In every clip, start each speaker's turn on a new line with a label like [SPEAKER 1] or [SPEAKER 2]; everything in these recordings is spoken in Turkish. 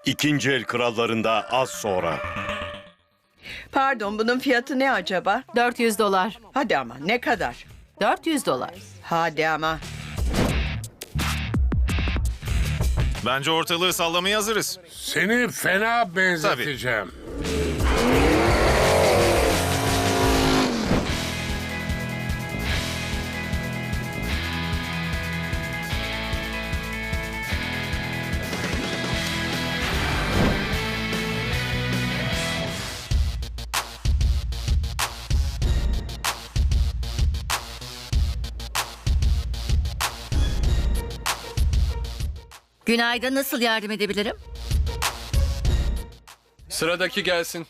[SPEAKER 1] İkinci el krallarında az sonra.
[SPEAKER 2] Pardon, bunun fiyatı ne acaba?
[SPEAKER 3] $400.
[SPEAKER 2] Hadi ama, ne kadar?
[SPEAKER 3] $400.
[SPEAKER 2] Hadi ama.
[SPEAKER 4] Bence ortalığı sallamaya hazırız.
[SPEAKER 5] Seni fena benzeteceğim.
[SPEAKER 6] Günaydın, nasıl yardım edebilirim?
[SPEAKER 7] Sıradaki gelsin.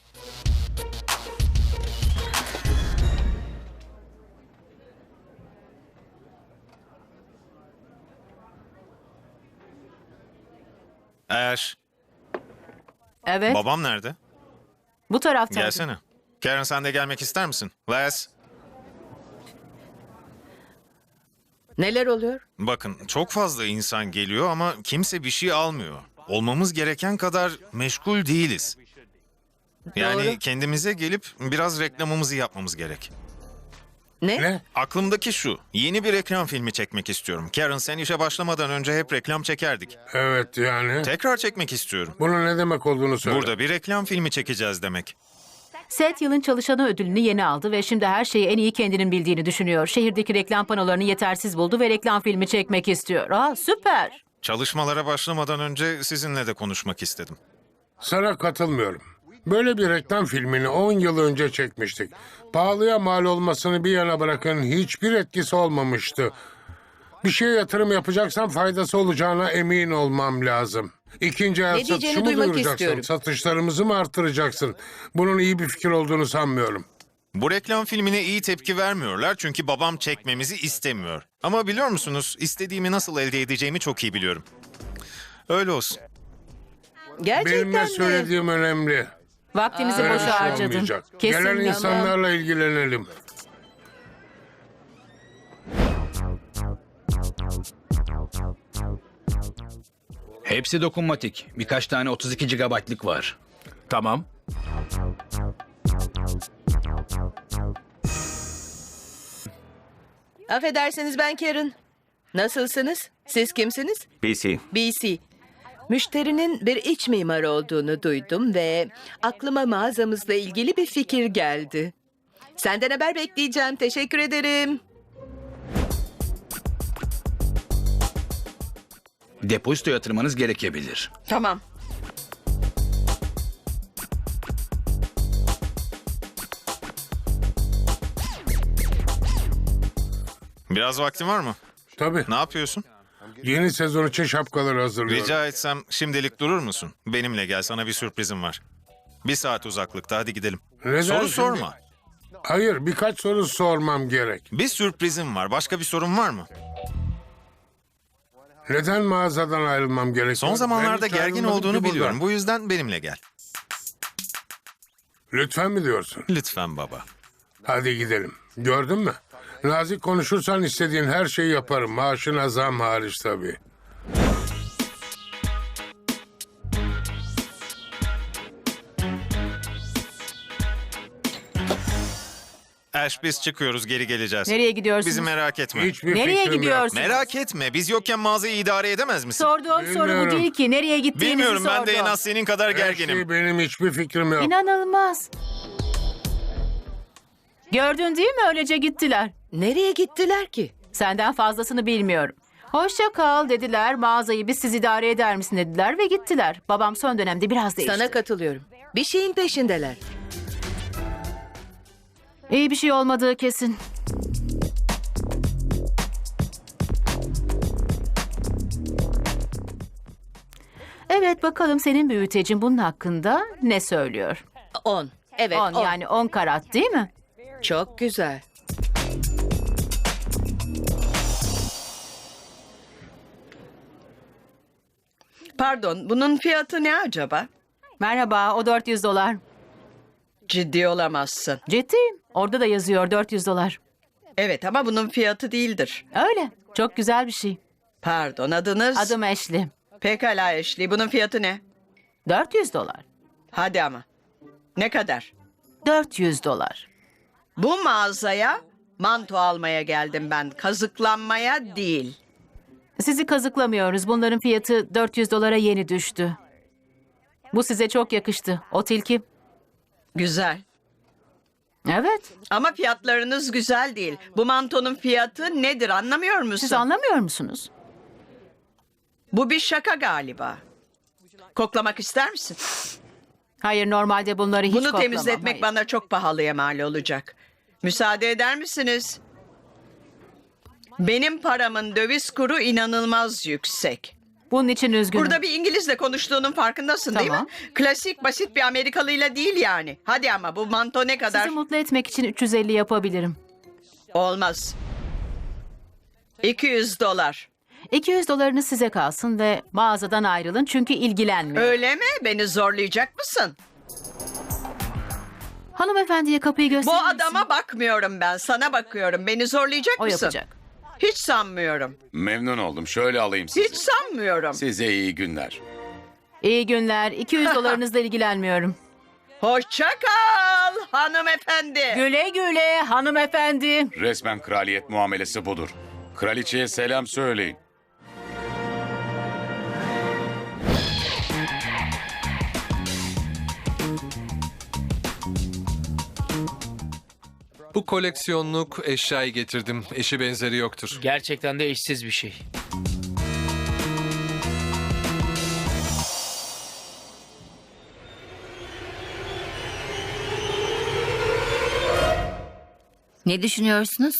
[SPEAKER 4] Ash,
[SPEAKER 3] Evet,
[SPEAKER 4] babam nerede?
[SPEAKER 3] bu taraftaydı.
[SPEAKER 4] Gelsene. Karen sen de gelmek ister misin? Les,
[SPEAKER 2] Neler oluyor?
[SPEAKER 4] bakın çok fazla insan geliyor ama kimse bir şey almıyor. Olmamız gereken kadar meşgul değiliz. Yani
[SPEAKER 2] Doğru.
[SPEAKER 4] kendimize gelip biraz reklamımızı yapmamız gerek.
[SPEAKER 5] Ne?
[SPEAKER 4] Aklımdaki şu, yeni bir reklam filmi çekmek istiyorum. Karen sen işe başlamadan önce hep reklam çekerdik.
[SPEAKER 5] Evet yani.
[SPEAKER 4] Tekrar çekmek istiyorum.
[SPEAKER 5] Bunun ne demek olduğunu söyle.
[SPEAKER 4] Burada bir reklam filmi çekeceğiz demek.
[SPEAKER 3] Seth yılın çalışanı ödülünü yeni aldı ve şimdi her şeyi en iyi kendinin bildiğini düşünüyor. Şehirdeki reklam panolarını yetersiz buldu ve reklam filmi çekmek istiyor. Aa, süper.
[SPEAKER 4] Çalışmalara başlamadan önce sizinle de konuşmak istedim.
[SPEAKER 5] Sana katılmıyorum. Böyle bir reklam filmini 10 yıl önce çekmiştik. Pahalıya mal olmasını bir yana bırakın, hiçbir etkisi olmamıştı. Bir şeye yatırım yapacaksan faydası olacağına emin olmam lazım. İkinci el
[SPEAKER 2] Ne diyeceğini
[SPEAKER 5] satışımı
[SPEAKER 2] duymak
[SPEAKER 5] duyuracaksın.
[SPEAKER 2] istiyorum.
[SPEAKER 5] Satışlarımızı mı arttıracaksın? Bunun iyi bir fikir olduğunu sanmıyorum.
[SPEAKER 4] Bu reklam filmine iyi tepki vermiyorlar çünkü babam çekmemizi istemiyor. Ama biliyor musunuz, istediğimi nasıl elde edeceğimi çok iyi biliyorum. Öyle olsun.
[SPEAKER 2] Gerçekten
[SPEAKER 5] Benim ne
[SPEAKER 2] mi?
[SPEAKER 5] söylediğim önemli.
[SPEAKER 3] Vaktimizi
[SPEAKER 5] Böyle bir
[SPEAKER 3] boşa
[SPEAKER 5] şey
[SPEAKER 3] harcadın.
[SPEAKER 5] olmayacak. Gelen
[SPEAKER 3] Kesinlikle.
[SPEAKER 5] insanlarla ilgilenelim.
[SPEAKER 8] Hepsi dokunmatik. Birkaç tane 32 GB'lık var.
[SPEAKER 7] Tamam.
[SPEAKER 2] Affedersiniz, ben Karen. Nasılsınız? Siz kimsiniz?
[SPEAKER 1] BC.
[SPEAKER 2] BC. Müşterinin bir iç mimar olduğunu duydum ve aklıma mağazamızla ilgili bir fikir geldi. Senden haber bekleyeceğim. Teşekkür ederim.
[SPEAKER 8] Depozito yatırmanız gerekebilir.
[SPEAKER 2] Tamam.
[SPEAKER 4] Biraz vaktin var mı?
[SPEAKER 5] Tabii.
[SPEAKER 4] Ne yapıyorsun?
[SPEAKER 5] Yeni sezon için şapkaları hazırlıyorum.
[SPEAKER 4] Rica etsem şimdilik durur musun? Benimle gel, sana bir sürprizim var. 1 saat uzaklıkta, hadi gidelim.
[SPEAKER 5] Neden
[SPEAKER 4] Soru
[SPEAKER 5] şimdi?
[SPEAKER 4] sorma.
[SPEAKER 5] Hayır, birkaç soru sormam gerek.
[SPEAKER 4] Bir sürprizim var. Başka bir sorun var mı?
[SPEAKER 5] Neden mağazadan ayrılmam gerekiyor?
[SPEAKER 4] Son zamanlarda
[SPEAKER 5] Ben hiç
[SPEAKER 4] gergin
[SPEAKER 5] ayrılmadım
[SPEAKER 4] olduğunu
[SPEAKER 5] ki buradan.
[SPEAKER 4] biliyorum. Bu yüzden benimle gel.
[SPEAKER 5] Lütfen mi diyorsun?
[SPEAKER 4] Lütfen baba.
[SPEAKER 5] Hadi gidelim. Gördün mü? Nazik konuşursan istediğin her şeyi yaparım. Maaşına zam hariç tabii.
[SPEAKER 4] Ash, biz çıkıyoruz, geri geleceğiz.
[SPEAKER 3] Nereye gidiyorsunuz?
[SPEAKER 4] Bizi merak etme.
[SPEAKER 5] Hiçbir
[SPEAKER 3] Nereye
[SPEAKER 5] fikrim yok.
[SPEAKER 3] gidiyorsun?
[SPEAKER 4] Merak etme. Biz yokken mağazayı idare edemez misin?
[SPEAKER 3] Sorduğum soru bu
[SPEAKER 5] Bilmiyorum.
[SPEAKER 3] değil ki. Nereye gittiğinizi
[SPEAKER 4] Bilmiyorum, ben de en
[SPEAKER 3] sordum.
[SPEAKER 4] az senin kadar
[SPEAKER 5] Her
[SPEAKER 4] gerginim.
[SPEAKER 5] şey benim hiçbir fikrim yok.
[SPEAKER 3] İnanılmaz. Gördün değil mi? Öylece gittiler.
[SPEAKER 2] Nereye gittiler ki?
[SPEAKER 3] Senden fazlasını bilmiyorum. Hoşça kal dediler. Mağazayı biz siz idare eder misin dediler ve gittiler. Babam son dönemde biraz değişti.
[SPEAKER 2] Sana katılıyorum. Bir şeyin peşindeler.
[SPEAKER 3] İyi bir şey olmadığı kesin. Evet, bakalım senin büyütecin bunun hakkında ne söylüyor?
[SPEAKER 2] 10. Evet,
[SPEAKER 3] 10
[SPEAKER 2] 10.
[SPEAKER 3] yani 10 karat değil mi?
[SPEAKER 2] Çok güzel. Pardon, bunun fiyatı ne acaba?
[SPEAKER 3] Merhaba, o $400.
[SPEAKER 2] Ciddi olamazsın.
[SPEAKER 3] Ciddiyim. Orada da yazıyor $400.
[SPEAKER 2] Evet ama bunun fiyatı değildir.
[SPEAKER 3] Öyle. Çok güzel bir şey.
[SPEAKER 2] Pardon, adınız?
[SPEAKER 3] Adım Ashley.
[SPEAKER 2] Pekala Ashley, bunun fiyatı ne?
[SPEAKER 3] $400.
[SPEAKER 6] Hadi ama. Ne kadar?
[SPEAKER 3] $400.
[SPEAKER 6] Bu mağazaya manto almaya geldim ben. Kazıklanmaya değil.
[SPEAKER 3] Sizi kazıklamıyoruz. Bunların fiyatı $400 yeni düştü. Bu size çok yakıştı. O tilki.
[SPEAKER 6] Güzel.
[SPEAKER 3] Evet.
[SPEAKER 6] Ama fiyatlarınız güzel değil. Bu mantonun fiyatı nedir anlamıyor musun?
[SPEAKER 3] Siz anlamıyor musunuz?
[SPEAKER 6] Bu bir şaka galiba. Koklamak ister misin?
[SPEAKER 3] Hayır, normalde bunları hiç
[SPEAKER 6] Bunu
[SPEAKER 3] koklamam.
[SPEAKER 6] temizletmek
[SPEAKER 3] Hayır.
[SPEAKER 6] bana çok pahalıya mal olacak. Müsaade eder misiniz? Benim paramın döviz kuru inanılmaz yüksek.
[SPEAKER 3] Bunun için üzgünüm.
[SPEAKER 6] Burada bir İngilizle konuştuğunun farkındasın değil
[SPEAKER 3] Tamam.
[SPEAKER 6] mi? Klasik basit bir Amerikalıyla değil yani. Hadi ama bu manto ne kadar?
[SPEAKER 3] Sizi mutlu etmek için 350 yapabilirim.
[SPEAKER 6] Olmaz. $200.
[SPEAKER 3] $200 size kalsın ve mağazadan ayrılın çünkü ilgilenmiyor.
[SPEAKER 6] Öyle mi? Beni zorlayacak mısın?
[SPEAKER 3] Hanımefendiye kapıyı
[SPEAKER 6] Bu
[SPEAKER 3] gösterir misin?
[SPEAKER 6] adama bakmıyorum ben. Sana bakıyorum. Beni zorlayacak
[SPEAKER 3] O
[SPEAKER 6] mısın?
[SPEAKER 3] yapacak.
[SPEAKER 6] Hiç sanmıyorum.
[SPEAKER 9] Memnun oldum. Şöyle alayım sizi.
[SPEAKER 6] Hiç sanmıyorum.
[SPEAKER 9] Size iyi günler.
[SPEAKER 3] İyi günler. $200'larınızla ilgilenmiyorum.
[SPEAKER 6] Hoşça kal hanımefendi.
[SPEAKER 3] Güle güle hanımefendi.
[SPEAKER 9] Resmen kraliyet muamelesi budur. Kraliçeye selam söyleyin.
[SPEAKER 7] Bu koleksiyonluk eşyayı getirdim. Eşi benzeri yoktur.
[SPEAKER 10] Gerçekten de eşsiz bir şey.
[SPEAKER 11] Ne düşünüyorsunuz?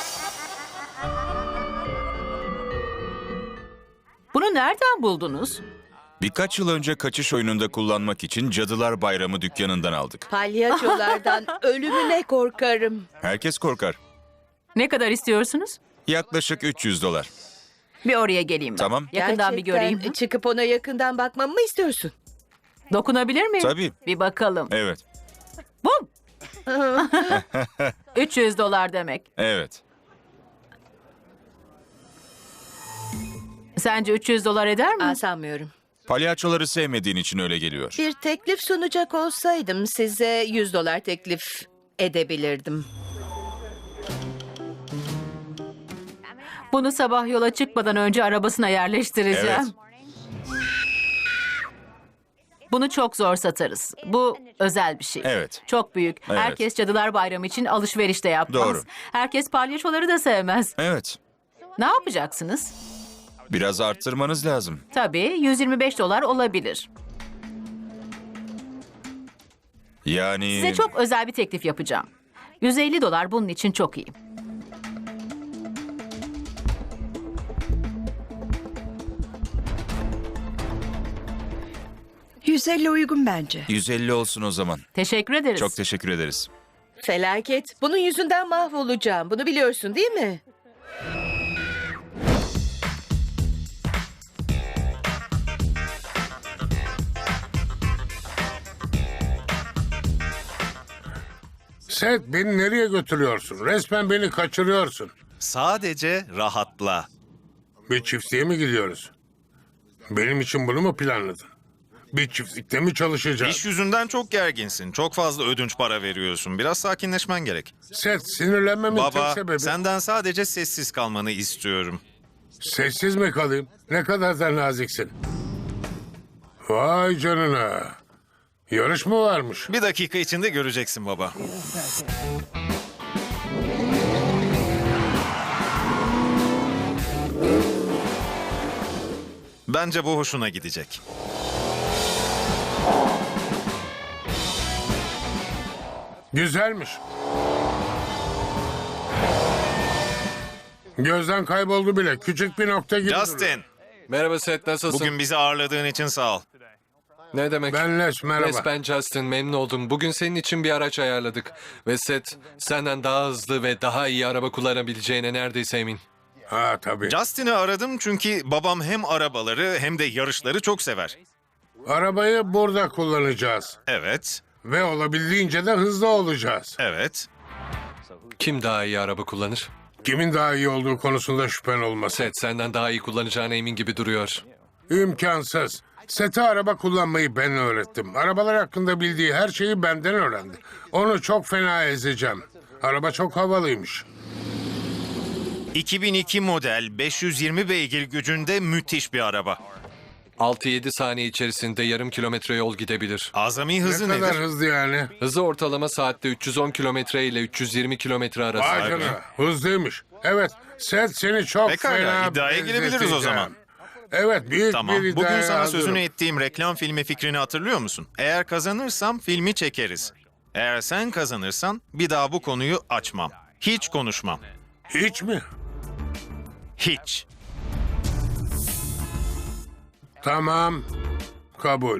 [SPEAKER 3] Bunu nereden buldunuz?
[SPEAKER 12] Birkaç yıl önce kaçış oyununda kullanmak için Cadılar Bayramı dükkanından aldık.
[SPEAKER 2] Palyaçolardan ölümüne korkarım.
[SPEAKER 12] Herkes korkar.
[SPEAKER 3] Ne kadar istiyorsunuz?
[SPEAKER 12] Yaklaşık $300.
[SPEAKER 3] Bir oraya geleyim ben.
[SPEAKER 12] Tamam.
[SPEAKER 3] Yakından bir göreyim.
[SPEAKER 2] Çıkıp ona yakından bakmamı mı istiyorsun?
[SPEAKER 3] Dokunabilir miyim?
[SPEAKER 12] Tabii.
[SPEAKER 3] Bir bakalım.
[SPEAKER 12] Evet.
[SPEAKER 3] Bum! $300 demek.
[SPEAKER 12] Evet.
[SPEAKER 3] Sence $300 eder mi?
[SPEAKER 2] Sanmıyorum.
[SPEAKER 12] Palyaçoları sevmediğin için öyle geliyor.
[SPEAKER 2] Bir teklif sunacak olsaydım size $100 teklif edebilirdim.
[SPEAKER 3] Bunu sabah yola çıkmadan önce arabasına yerleştireceğim.
[SPEAKER 12] Evet.
[SPEAKER 3] Bunu çok zor satarız. Bu özel bir şey.
[SPEAKER 12] Evet.
[SPEAKER 3] Çok büyük.
[SPEAKER 12] Evet.
[SPEAKER 3] Herkes Cadılar Bayramı için alışveriş de yapmaz.
[SPEAKER 12] Doğru.
[SPEAKER 3] Herkes palyaçoları da sevmez.
[SPEAKER 12] Evet.
[SPEAKER 3] Ne yapacaksınız?
[SPEAKER 12] Biraz arttırmanız lazım.
[SPEAKER 3] Tabii $125 olabilir.
[SPEAKER 12] Yani...
[SPEAKER 3] Size çok özel bir teklif yapacağım. $150 bunun için çok iyi.
[SPEAKER 6] $150 uygun bence.
[SPEAKER 12] 150 olsun o zaman.
[SPEAKER 3] Teşekkür ederiz.
[SPEAKER 12] Çok teşekkür ederiz.
[SPEAKER 2] Felaket. Bunun yüzünden mahvolacağım. Bunu biliyorsun değil mi?
[SPEAKER 5] Seth, beni nereye götürüyorsun? Resmen beni kaçırıyorsun.
[SPEAKER 4] Sadece rahatla.
[SPEAKER 5] Bir çiftliğe mi gidiyoruz? Benim için bunu mu planladın? Bir çiftlikte mi çalışacağız?
[SPEAKER 4] İş yüzünden çok gerginsin. Çok fazla ödünç para veriyorsun. Biraz sakinleşmen gerek.
[SPEAKER 5] Seth, sinirlenmemin tek
[SPEAKER 4] Baba,
[SPEAKER 5] sebebi...
[SPEAKER 4] senden sadece sessiz kalmanı istiyorum.
[SPEAKER 5] Sessiz mi kalayım? Ne kadar da naziksin. Vay canına. Yarış mı varmış?
[SPEAKER 4] Bir dakika içinde göreceksin baba. Bence bu hoşuna gidecek.
[SPEAKER 5] Güzelmiş. Gözden kayboldu bile. Küçük bir nokta gibi duruyor.
[SPEAKER 4] Justin,
[SPEAKER 7] Merhaba Seth, nasılsın?
[SPEAKER 4] bugün bizi ağırladığın için sağ ol.
[SPEAKER 7] Ne demek?
[SPEAKER 5] Ben Les, merhaba.
[SPEAKER 7] Les, ben Justin, memnun oldum. Bugün senin için bir araç ayarladık. Ve Seth, senden daha hızlı ve daha iyi araba kullanabileceğine neredeyse emin.
[SPEAKER 5] Ha tabii.
[SPEAKER 4] Justin'i aradım çünkü babam hem arabaları hem de yarışları çok sever.
[SPEAKER 5] Arabayı burada kullanacağız.
[SPEAKER 4] Evet,
[SPEAKER 5] Ve olabildiğince de hızlı olacağız.
[SPEAKER 4] evet.
[SPEAKER 7] Kim daha iyi araba kullanır?
[SPEAKER 5] Kimin daha iyi olduğu konusunda şüphen olmasın.
[SPEAKER 7] Seth, senden daha iyi kullanacağına emin gibi duruyor.
[SPEAKER 5] İmkansız. Seth'e araba kullanmayı ben öğrettim. Arabalar hakkında bildiği her şeyi benden öğrendi. Onu çok fena ezeceğim. Araba çok havalıymış.
[SPEAKER 4] 2002 model 520 beygir gücünde müthiş bir araba.
[SPEAKER 7] 6-7 saniye içerisinde yarım kilometre yol gidebilir.
[SPEAKER 4] Azami
[SPEAKER 5] Ne
[SPEAKER 4] hızı
[SPEAKER 5] kadar
[SPEAKER 4] nedir?
[SPEAKER 5] hızlı yani?
[SPEAKER 7] Hızı ortalama saatte 310 kilometre ile 320 kilometre arası.
[SPEAKER 5] Vay canına, hızlıymış. Evet, Seth seni çok
[SPEAKER 4] Pekala,
[SPEAKER 5] fena
[SPEAKER 4] iddiaya girebiliriz o
[SPEAKER 5] benzeteceğim.
[SPEAKER 4] zaman.
[SPEAKER 5] Evet, büyük
[SPEAKER 4] Tamam.
[SPEAKER 5] bir iddiaya
[SPEAKER 4] Bugün sana
[SPEAKER 5] hazırım.
[SPEAKER 4] sözünü ettiğim reklam filmi fikrini hatırlıyor musun? Eğer kazanırsam filmi çekeriz. Eğer sen kazanırsan bir daha bu konuyu açmam. Hiç konuşmam.
[SPEAKER 5] Hiç mi?
[SPEAKER 4] Hiç.
[SPEAKER 5] Tamam, kabul.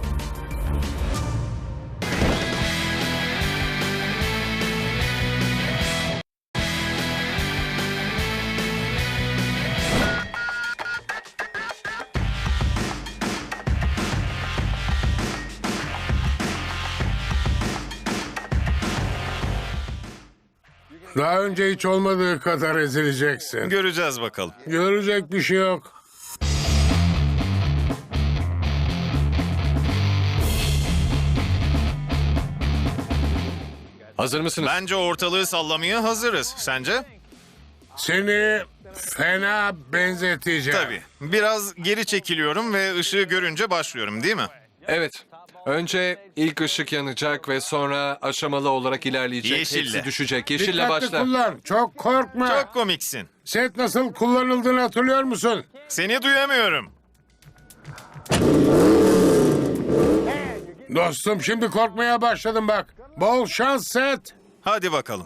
[SPEAKER 5] Daha önce hiç olmadığı kadar ezileceksin.
[SPEAKER 4] Göreceğiz bakalım.
[SPEAKER 5] Görecek bir şey yok.
[SPEAKER 7] Hazır mısınız?
[SPEAKER 4] Bence ortalığı sallamaya hazırız. Sence?
[SPEAKER 5] Seni fena benzeteceğim.
[SPEAKER 4] Tabii. Biraz geri çekiliyorum ve ışığı görünce başlıyorum, değil mi?
[SPEAKER 7] Evet. Önce ilk ışık yanacak ve sonra aşamalı olarak ilerleyecek.
[SPEAKER 4] Yeşille.
[SPEAKER 7] Hepsi düşecek. Yeşille
[SPEAKER 5] Dikkatli
[SPEAKER 7] başla.
[SPEAKER 5] kullan, çok korkma.
[SPEAKER 4] Çok komiksin.
[SPEAKER 5] Set nasıl kullanıldığını hatırlıyor musun?
[SPEAKER 4] Seni duyamıyorum.
[SPEAKER 5] Dostum şimdi korkmaya başladım bak. Bol şans Set.
[SPEAKER 4] Hadi bakalım.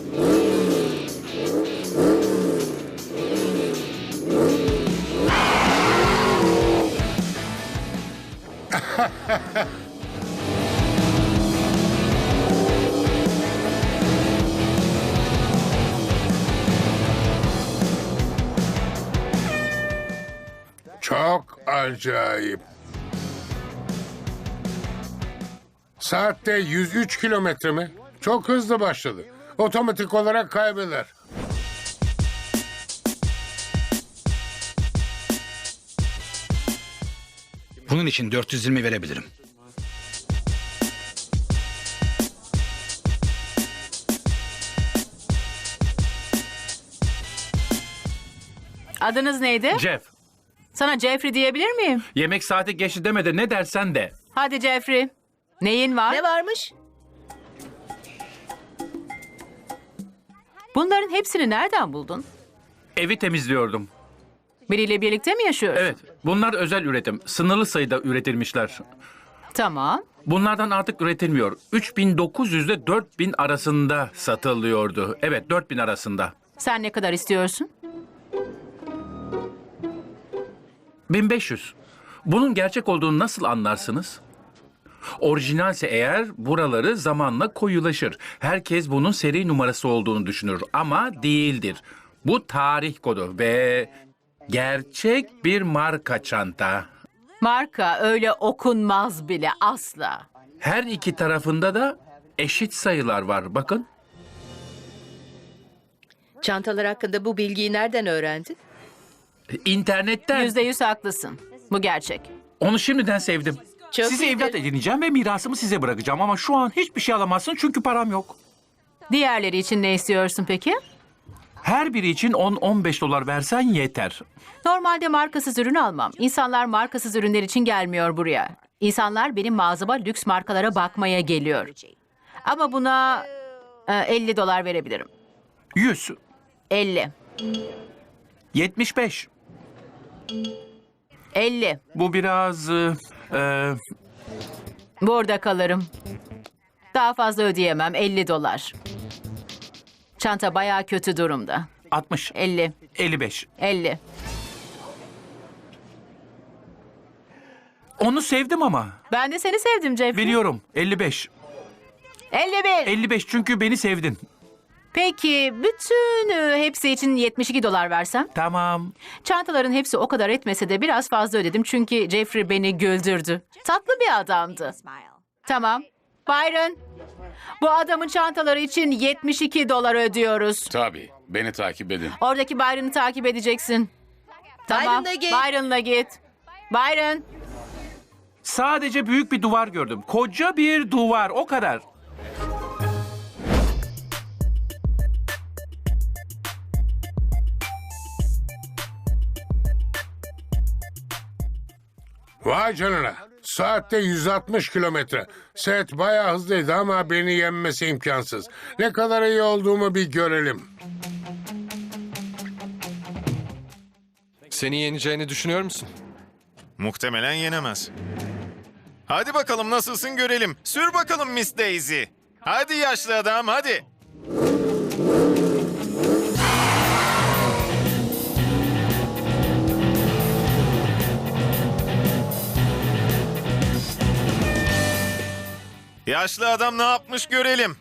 [SPEAKER 5] Çok acayip. Saatte 103 kilometre mi? Çok hızlı başladı. Otomatik olarak kaybeder.
[SPEAKER 8] Bunun için 420 verebilirim.
[SPEAKER 3] Adınız neydi?
[SPEAKER 10] Jeff,
[SPEAKER 3] Sana Jeffrey diyebilir miyim?
[SPEAKER 10] yemek saati geçti deme de ne dersen de.
[SPEAKER 3] Hadi Jeffrey. Neyin var?
[SPEAKER 2] Ne varmış?
[SPEAKER 3] Bunların hepsini nereden buldun?
[SPEAKER 10] Evi temizliyordum.
[SPEAKER 3] Biriyle birlikte mi yaşıyorsun?
[SPEAKER 10] Evet, bunlar özel üretim. Sınırlı sayıda üretilmişler.
[SPEAKER 3] Tamam.
[SPEAKER 10] Bunlardan artık üretilmiyor. 3900 ile 4000 arasında satılıyordu. Evet, 4000 arasında.
[SPEAKER 3] Sen ne kadar istiyorsun?
[SPEAKER 10] 1500. Bunun gerçek olduğunu nasıl anlarsınız? Orijinalse eğer buraları zamanla koyulaşır. Herkes bunun seri numarası olduğunu düşünür ama değildir. Bu tarih kodu ve gerçek bir marka çanta.
[SPEAKER 3] Marka öyle okunmaz bile asla.
[SPEAKER 10] Her iki tarafında da eşit sayılar var. Bakın.
[SPEAKER 2] Çantalar hakkında bu bilgiyi nereden öğrendin?
[SPEAKER 10] İnternetten.
[SPEAKER 3] %100 haklısın. Bu gerçek.
[SPEAKER 10] Onu şimdiden sevdim.
[SPEAKER 2] Çok
[SPEAKER 10] Sizi
[SPEAKER 2] iyidir.
[SPEAKER 10] evlat edineceğim ve mirasımı size bırakacağım ama şu an hiçbir şey alamazsın çünkü param yok.
[SPEAKER 3] Diğerleri için ne istiyorsun peki?
[SPEAKER 10] Her biri için 10-15 dolar versen yeter.
[SPEAKER 3] Normalde markasız ürün almam. İnsanlar markasız ürünler için gelmiyor buraya. İnsanlar benim mağazama lüks markalara bakmaya geliyor. Ama buna 50 dolar verebilirim.
[SPEAKER 10] 100,
[SPEAKER 3] 50.
[SPEAKER 10] 75.
[SPEAKER 3] 50.
[SPEAKER 10] Bu biraz...
[SPEAKER 3] Burada kalırım. Daha fazla ödeyemem. 50 dolar. Çanta bayağı kötü durumda.
[SPEAKER 10] 60,
[SPEAKER 3] 50.
[SPEAKER 10] 55.
[SPEAKER 3] 50.
[SPEAKER 10] Onu sevdim ama.
[SPEAKER 3] Ben de seni sevdim Jeffrey.
[SPEAKER 10] Biliyorum. 55.
[SPEAKER 3] 51.
[SPEAKER 10] 55 çünkü beni sevdin.
[SPEAKER 3] Peki bütün hepsi için 72 dolar versem?
[SPEAKER 10] Tamam.
[SPEAKER 3] Çantaların hepsi o kadar etmese de biraz fazla ödedim çünkü Jeffrey beni güldürdü. Tatlı bir adamdı. Tamam. Byron, bu adamın çantaları için 72 dolar ödüyoruz.
[SPEAKER 9] Tabii. Beni takip edin.
[SPEAKER 3] Oradaki Byron'ı takip edeceksin. Tamam.
[SPEAKER 2] Byron'la git.
[SPEAKER 3] Byron'la git. Byron.
[SPEAKER 10] Sadece büyük bir duvar gördüm. Koca bir duvar, o kadar.
[SPEAKER 5] Vay canına. Saatte 160 kilometre. Set bayağı hızlıydı ama beni yenmesi imkansız. Ne kadar iyi olduğumu bir görelim.
[SPEAKER 7] Seni yeneceğini düşünüyor musun?
[SPEAKER 4] Muhtemelen yenemez. Hadi bakalım nasılsın görelim. Sür bakalım Miss Daisy. Hadi yaşlı adam hadi. Yaşlı adam ne yapmış görelim.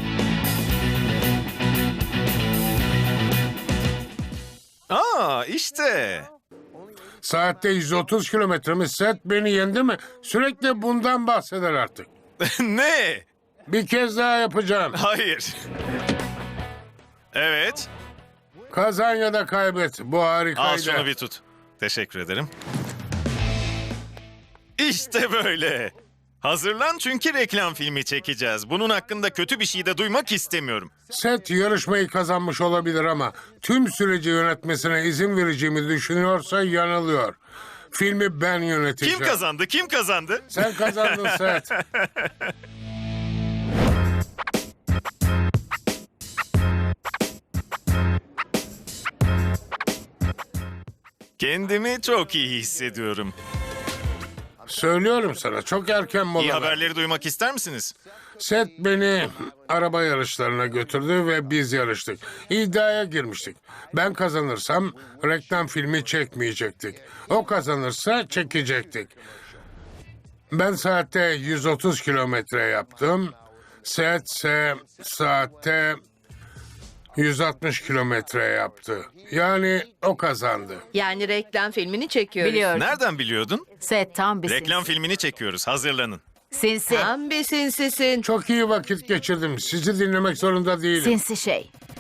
[SPEAKER 4] Aa işte.
[SPEAKER 5] Saatte 130 kilometre mi? Set beni yendi mi? Sürekli bundan bahseder artık.
[SPEAKER 4] Ne?
[SPEAKER 5] Bir kez daha yapacağım.
[SPEAKER 4] Hayır. Evet.
[SPEAKER 5] Kazan ya da kaybet. Bu harikaydı.
[SPEAKER 4] Al şunu bir tut. Teşekkür ederim. İşte böyle. Hazırlan çünkü reklam filmi çekeceğiz. Bunun hakkında kötü bir şey de duymak istemiyorum.
[SPEAKER 5] Set yarışmayı kazanmış olabilir ama tüm süreci yönetmesine izin vereceğimi düşünüyorsa yanılıyor. Filmi ben yöneteceğim.
[SPEAKER 4] Kim kazandı? Kim kazandı?
[SPEAKER 5] Sen kazandın Set.
[SPEAKER 4] Kendimi çok iyi hissediyorum.
[SPEAKER 5] Söylüyorum sana çok erken mola.
[SPEAKER 4] İyi haberleri duymak ister misiniz?
[SPEAKER 5] Set beni araba yarışlarına götürdü ve biz yarıştık. İddiaya girmiştik. Ben kazanırsam reklam filmi çekmeyecektik. O kazanırsa çekecektik. Ben saatte 130 kilometre yaptım. Set ise saatte 160 kilometre yaptı. Yani o kazandı.
[SPEAKER 2] Yani reklam filmini çekiyoruz.
[SPEAKER 3] Biliyorum.
[SPEAKER 4] Nereden biliyordun?
[SPEAKER 3] Set tam bir
[SPEAKER 4] Reklam filmini çekiyoruz. Hazırlanın.
[SPEAKER 3] sinsi.
[SPEAKER 2] Tam bir sinsisin.
[SPEAKER 5] Çok iyi vakit geçirdim. Sizi dinlemek zorunda değilim.
[SPEAKER 3] Sinsi şey.